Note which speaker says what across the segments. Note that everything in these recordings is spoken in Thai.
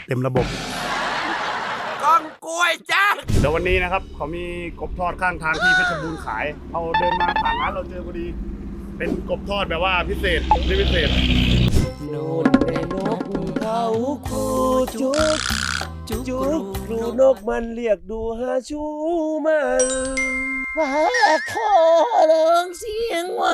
Speaker 1: เต็มระบบ
Speaker 2: ก้องกล้วยจ้า
Speaker 1: เดี๋ยววันนี้นะครับเขามีกบทอดข้างทางที่เพชรบูรณ์ขายเราเดินมาผ่านร้านเราเจอพอดีเป็นกบทอดแบบว่าพิเศษไม่พิเศษ
Speaker 3: นู่นในนกเขาคูจุกจุกครูนกมันเรียกดูหาชูมันว่าขอร้องเสียงว่า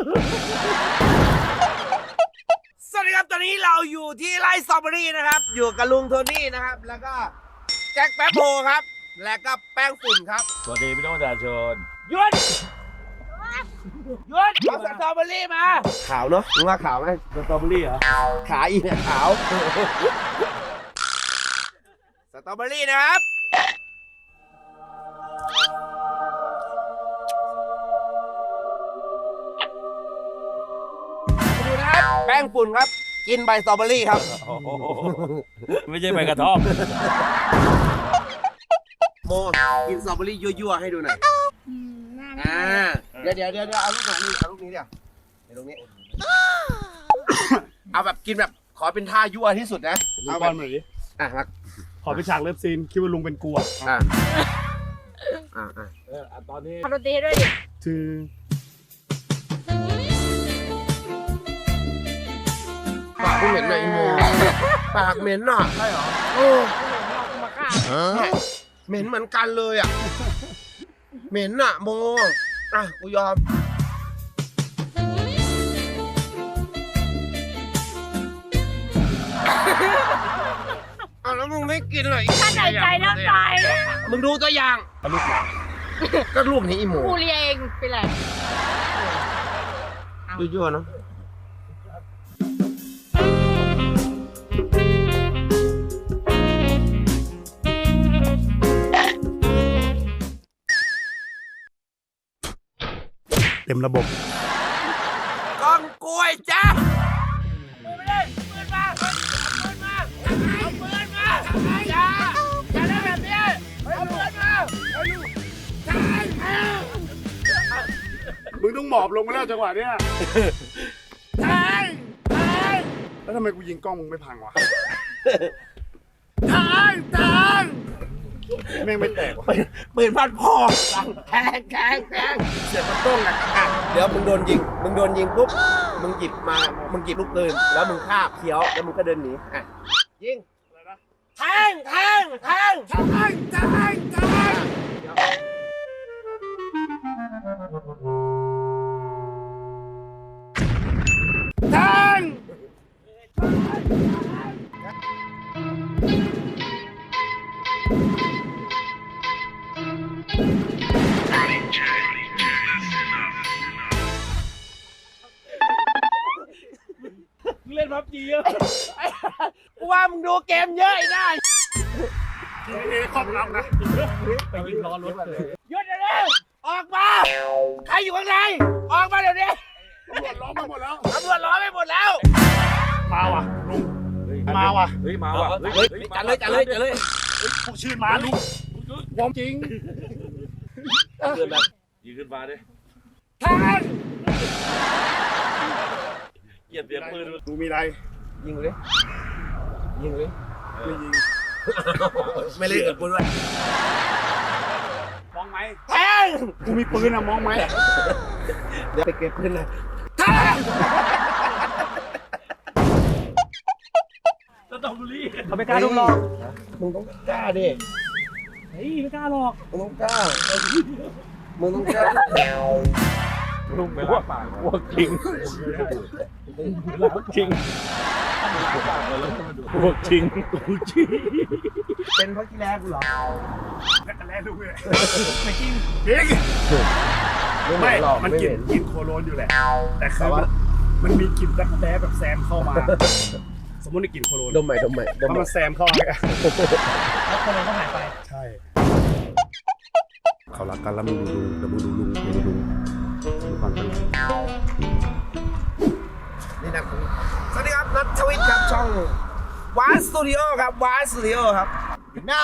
Speaker 2: สวัสดีครับตอนนี้เราอยู่ที่ไร่สตรอเบอรี่นะครับอยู่กับลุงโทนี่นะครับแล้วก็แจ็คแป๊บโพครับแล้วก็แป้งฝุ่นครับ
Speaker 4: สวัสดีพี่น้องประชาชน
Speaker 2: หยุดเอาสตรอเบอรี่มาขาวเนาะมึงว่าขาวไหม
Speaker 4: สตรอเบอรี่เหรอ
Speaker 2: ขาอีเนี่ยขาวสตรอเบอรี่นะครับดูนะครับแป้งฝุ่นครับกินใบสตรอเบอรี่ครับ
Speaker 4: โอ้โหไม่ใช่ใบกระท่อม
Speaker 2: โมกินสตรอเบอรี่ยั่วๆให้ดูหน่อยเดี๋ยวเอาลูกไหนนี่เอาลูกนี้เดี๋ยวตรงนี้ เอาแบบกินแบบขอเป็นท่ายั่วที่สุดนะ
Speaker 1: ดู
Speaker 2: เอา
Speaker 1: บ
Speaker 2: แบ
Speaker 1: อบ ลหน่อยดิ
Speaker 2: มา
Speaker 1: ขอไปฉากเลิฟซีนคิดว่าลุงเป็นกลัว
Speaker 4: ตอนนี้
Speaker 5: ทำดนตรีให้ด้วยดิ
Speaker 1: คือ
Speaker 2: ปากเหม็นหน่อยอีโมปากเหม็นอ่ะใช่เหรอ
Speaker 5: มาฆ่า
Speaker 2: เหม็นเหมือนกันเลยอ่ะเหม็นอ่ะโมอ่ะกูยอมเอาแล้วมึงไม่กินเลย
Speaker 5: ถ้าใจใจน้ำตาย
Speaker 2: มึงดูตัวอย่าง
Speaker 1: ลูกหมา
Speaker 2: ก็ลูกนี้อีโม
Speaker 5: กูเรียเองเป็นไร
Speaker 2: ยั่วๆเนาะ
Speaker 1: เต็มระบบ
Speaker 2: ก้องกล้วยจ้าปืนมาเลยปืนมาเอาปืนมาเอาปืนมาอย่าเล่นแบบนี้เอาปืนมาเอาลูกใช่
Speaker 1: มึงต้องหมอบลงมาแล้วจังหวะเนี้ย
Speaker 2: ใช่ใช่
Speaker 1: แล้วทำไมกูยิงกล้องมึงไม่พังวะ
Speaker 2: ใช่ใช่
Speaker 1: แม่งไม่แตกวะ
Speaker 2: ปืนพันพอแทงเสียงมันต้องอ่ะเดี๋ยวมึงโดนยิงปุ๊บมึงหยิบลูกปืนแล้วมึงคาบเขียวแล้วมึงก็เดินหนีอ่ะยิงแทง
Speaker 4: เล่นพับจีเยอะ
Speaker 2: กูว่ามึงดูเกมเยอะไอ้น่า
Speaker 1: ครอบรับนะ
Speaker 4: ไปยิงล้อรถเลย
Speaker 2: หยุดเดี๋ยวนี้ออกมาใครอยู่ข้างในออกมาเดี๋ยวนี้
Speaker 1: ตำรวจล้อมมาหมดแล้ว
Speaker 2: ตำรวจล้อมไปหมดแล้ว
Speaker 1: มาว่ะลุง มาว่ะ
Speaker 4: เฮ้ยมาว่ะ
Speaker 2: เฮ้ยจัดเลย
Speaker 1: พวกชื่อมาลุงวอมจริง
Speaker 4: ยิงขึ้นมาดิ
Speaker 2: แทง
Speaker 4: เกลียดเสียงปืน
Speaker 1: ลุงมีอะไร
Speaker 2: ยิงเลย
Speaker 1: ไม่ยิง
Speaker 2: ไม่เล่นกับกูด้วย
Speaker 1: มองไหม
Speaker 2: แทง
Speaker 1: กูมีปืนอะมองไหม
Speaker 2: เดี๋ยวไปเก็บปืนเลยแทง
Speaker 4: สตรอเบอรี่
Speaker 1: เขาไม่กล้าลุงหรอก
Speaker 2: มึงต้องกล้าดิ
Speaker 1: เฮ้ยไม่กล้าหรอก
Speaker 2: มึงต้องกล้ามึงต้องกล้า
Speaker 4: ลุงไปล้างปากพวกจริงพวกจริงพวกจริง
Speaker 2: เป็นเพราะกีฬากูเหรอ
Speaker 1: แล้ลุงเลยไม่จริงจริงไม่มันกินโคโรนอยู่แหละแต่คือมันมีกลิ่นรักแร้แบบแซมเข้ามา สมมติได้กลิ่นโคโรน
Speaker 2: ดมใหม่
Speaker 1: แล้วมันแซมเข้ามาแล้วโคโรนก็หายไปใช่เขารักกันแล้วมึงดูความเป็น
Speaker 2: นี่นะสวัสดีครับนัททวิทย์ครับช่องวาสตูดิโอครับวาสตูดิโอครับน่า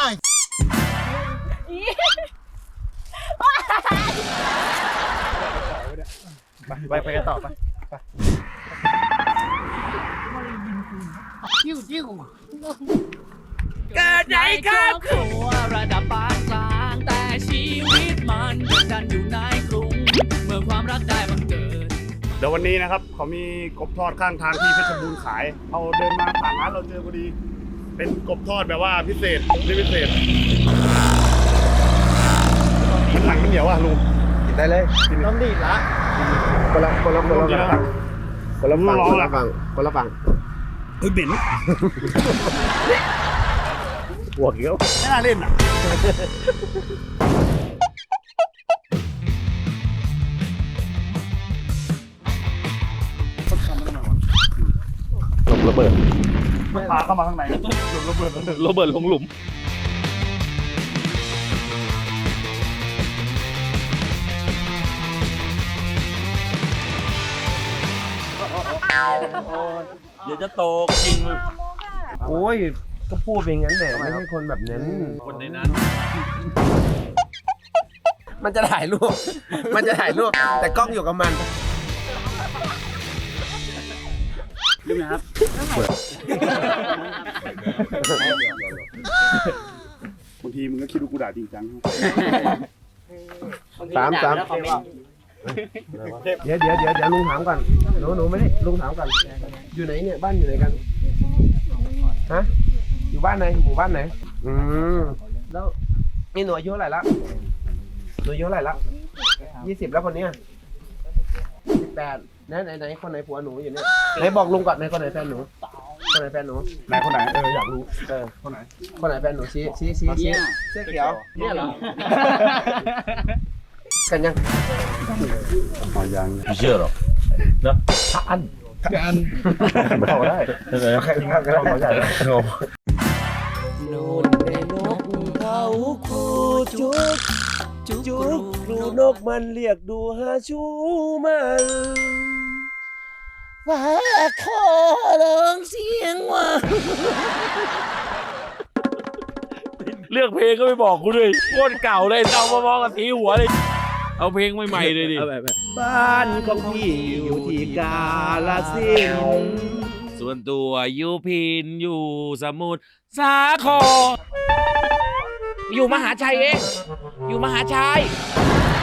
Speaker 1: ไปกันต่อไป
Speaker 2: จิ้วเกิดในครอบครัว
Speaker 6: ระดับปานกลางแต่ชีวิตมันดันอยู่ในกรุง เมื่อความรักได้บังเกิด
Speaker 1: เดี๋ยววันนี้นะครับเขามีกบทอดข้างทางที่เพชรบูรณ์ขายเราเดินมาผ่านร้านเราเจอพอดี เป็นกบทอดแบบว่าพิเศษไม่พิเศษมันหนังมันเหนียวอ่ะลุง
Speaker 2: กินได้เลยต้องดีดละคนละฝั่งคนละฝั่ง
Speaker 1: เฮ้ยเบน
Speaker 2: หัวเกี้ยว
Speaker 1: ไม่น่าเล่นอ่ะเขาทำมาทำไมวะ
Speaker 2: ลมระเบิด
Speaker 1: มันปาเข้ามาข้างในหลุมระเบิดแล้วหนึ่ง
Speaker 4: โรเบิร์ตลงหลุม เดี๋ยวจะโตจริง
Speaker 2: โอ้ยก็พูดเป็นงั้นแหละไม่ใช่คนแบบนั้น
Speaker 4: คนในนั้น
Speaker 2: มันจะถ่ายรูปแต่กล้องอยู่กับมัน
Speaker 1: เรื่องนะครับบางทีมึงก็คิดว่ากูด่าจริงจัง
Speaker 2: สามเดี๋ยวลุงถามก่อนหนูไม่ได้ลุงถามก่อนอยู่ไหนเนี่ยบ้านอยู่ไหนกันฮะอยู่บ้านไหนหมู่บ้านไหนแล้วนี่หนูอายุเท่าไหร่ละหนูอายุเท่าไหร่ละ20แล้วคนเนี้ย18ไหนคนไหนผัวหนูอยู่เนี่ยไหนบอกลุงก่อนไหนคนไหนแฟนหนูคนไหนแฟนหนู
Speaker 1: ไหนคนไหนอยากรู้คนไหน
Speaker 2: คนไหนแฟนหนูชี้เสื้อเขียวเนี่ยเหรอกันยัง
Speaker 1: อ๋อยัง
Speaker 4: ไม่เชื่อหรอกนะถ้าอัน
Speaker 1: เข้าได้
Speaker 2: ใครครับเขาใหญ่
Speaker 3: โน่นในนกเขาคูจุกจุกครูนกมันเรียกดูหาชูมันว่าขอร้องเสียงว่า
Speaker 4: เลือกเพลงก็ไม่บอกกูด้วยโคตรเก่าเลยเอามามองกับสีหัวเลย เอาเพลงใหม่ๆเลยดิ
Speaker 3: บ้านของพี่อยู่ที่กาลสินธุ์
Speaker 4: ส่วนตัวอยู่พินอยู่สมุทรสาคร
Speaker 6: อยู่มหาชัยเอง อยู่มหาชัย